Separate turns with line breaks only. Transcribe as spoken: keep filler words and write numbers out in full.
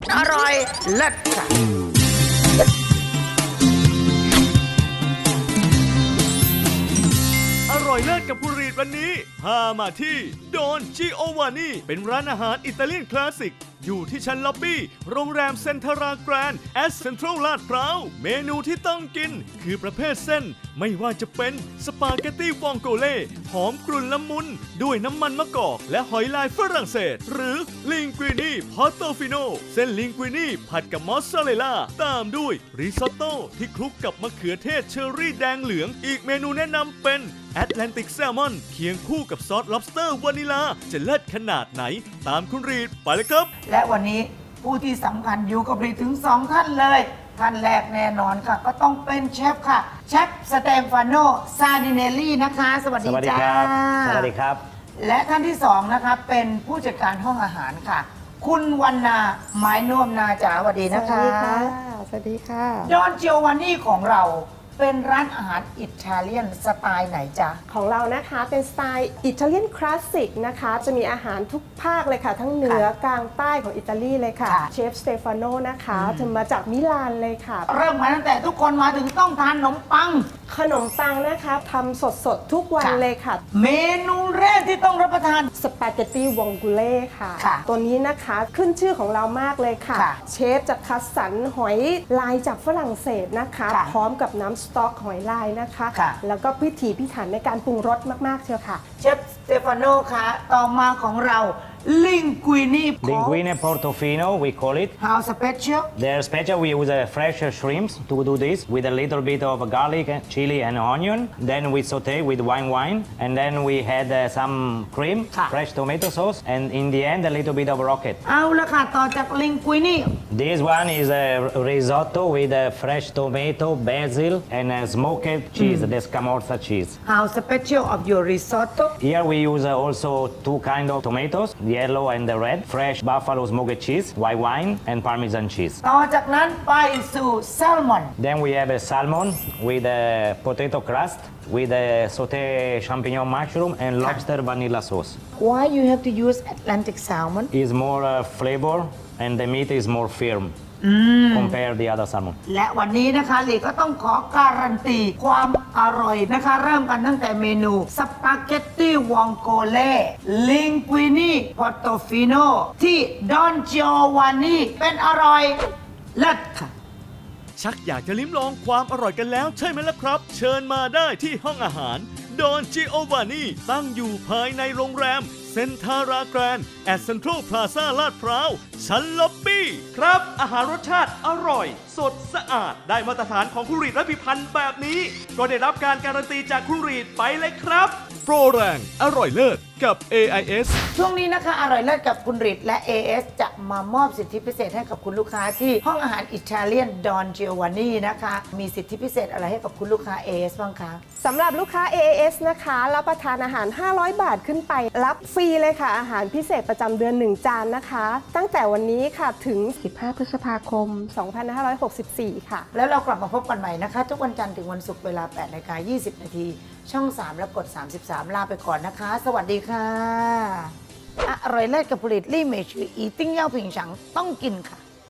อร่อยเลิศค่ะ
อร่อยเลิศกับผู้รีดวันนี้พามาที่โดนจิโอวานีเป็นร้านอาหารอิตาเลียนคลาสสิกอยู่ที่ชั้นล็อบบี้โรงแรมเซ็นทราแกรนด์แอสเซ็นทรัลลาดพร้าวเมนูที่ต้องกินคือประเภทเส้นไม่ว่าจะเป็นสปาเกตตี้วองโกเล่หอมกรุ่นละมุนด้วยน้ำมันมะกอกและหอยลายฝรั่งเศสหรือลิงกุินีพอตโตฟิโนเส้นลิงกุินีผัดกับมอสซาเรลล่าตามด้วยริซอตโต้ที่คลุกกับมะเขือเทศเชอร์รี่แดงเหลืองอีกเมนูแนะนำเป็นแอตแลนติกแซลมอนเคียงคู่กับซอส lobster วานิลาจะเลิศขนาดไหนตามคุณรีดไปเลยครับ
และวันนี้ผู้ที่สำคัญอยู่กับรีถึงสองท่านเลยท่านแรกแน่นอนค่ะก็ต้องเป็นเชฟค่ะเชฟสเตฟานโนซาดิเนลลี่นะคะสวัสดีจ้า
สวัสดีครับ
และท่านที่สองนะคะเป็นผู้จัดการห้องอาหารค่ะคุณวรรณาไม้น่วมนาจ๋าสวัสดีนะคะ
สวัสดีค่ะสวัสดีค่ะ
ดอนจิโอวานี่ของเราเป็นร้านอาหารอิตาเลียนสไตล์ไหนจ๊ะ
ของเรานะคะเป็นสไตล์อิตาเลียนคลาสสิกนะคะจะมีอาหารทุกภาคเลยค่ะทั้งเหนือกลางใต้ของอิตาลีเลยค่ะเชฟสเตฟานโนนะคะจะมาจากมิลานเลยค่ะ
เริ่มมาตั้งแต่ทุกคนมาถึงต้องทานขนมปัง
ขนมปังนะคะทำสดๆทุกวันเลยค่ะ
เมนูแรกที่ต้องรับประทาน
สปาเกตตี้วองกุเล่ค่ะ
ค่ะ
ตัวนี้นะคะขึ้นชื่อของเรามากเลยค่ะ
ค่ะ
เชฟจะคัดสรรหอยลายจากฝรั่งเศสนะคะ
ค่ะ
พร้อมกับน้ำสต๊อกหอยลายนะคะ
ค่ะ
แล้วก็พิถีพิถันในการปรุงรสมากๆเชียวค่ะ
เชฟสเตฟานโนคะต่อมาของเราลิงกุินี
Linguine Portofino we call it
How special
They're special we use uh, fresh shrimps to do this with a little bit of garlic chili and onion then we saute with wine wine and then we had uh, some cream
ค่ะ
fresh tomato sauce and in the end a little bit of rocket
เอาละค่ะต่อจากลิงกุินี
This one is a risotto with a fresh tomato basil and a smoked cheese the scamorza cheese
How special of your risotto
Here we use uh, also two kind of tomatoes yellow and the red fresh buffalo smoked cheese white wine and parmesan cheese
ต่อจากนั้นไปสู่แซลมอน
Then we have a salmon with a potato crust with a sauté champignon mushroom and lobster vanilla sauce
Why you have to use Atlantic salmon
Is more uh, flavor and the meat is more firm compare the other salmon
และวันนี้นะคะลีก็ต้องขอการันตีความอร่อยนะคะเริ่มกันตั้งแต่เมนูสปาเกตตี้วองโกเล่ลิงกุินีพอตโตฟิโนที่ดอนจิโอวานีเป็นอร่อยเลิศค่ะ
ชักอยากจะลิ้มลองความอร่อยกันแล้วใช่ไหมล่ะครับ เชิญมาได้ที่ห้องอาหารดอนจิโอวานีตั้งอยู่ภายในโรงแรมเซ็นทาราแกรนด์แอสเซ็นทรัลพลาซ่าลาดพร้าวชั้นล็อบบี้ครับอาหารรสชาติอร่อยสดสะอาดได้มาตรฐานของคุณรีดและพิพันธ์แบบนี้ก็ได้รับการการันตีจากคุณรีดไปเลยครับโปรแรงอร่อยเลิศกับ เอ ไอ เอส
ช่วงนี้นะคะอร่อยเลิศกับคุณริดและ เอ เอส จะมามอบสิทธิพิเศษให้กับคุณลูกค้าที่ห้องอาหารอิตาเลียนดอนจิโอวานีนะคะมีสิทธิพิเศษอะไรให้กับคุณลูกค้า เอ เอส บ้างคะ
สำหรับลูกค้า เอ เอส นะคะรับประทานอาหารห้าร้อยบาทขึ้นไปรับฟรีเลยค่ะอาหารพิเศษประจำเดือนหนึ่งจานนะคะตั้งแต่วันนี้ค่ะถึงสิบห้าพฤษภาคมสองพันห้าร้อยหกสิบสี่ค่ะ
แล้วเรากลับมาพบกันใหม่นะคะทุกวันจันทร์ถึงวันศุกร์เวลา แปดนาฬิกายี่สิบนาทีช่องสามและกดสามสิบสามลาไปก่อนนะคะสวัสดีค่ะอร่อยเลิศกับผลิตลี่เมชืออีติ้งเย่าผิงฉังต้องกินค่ะ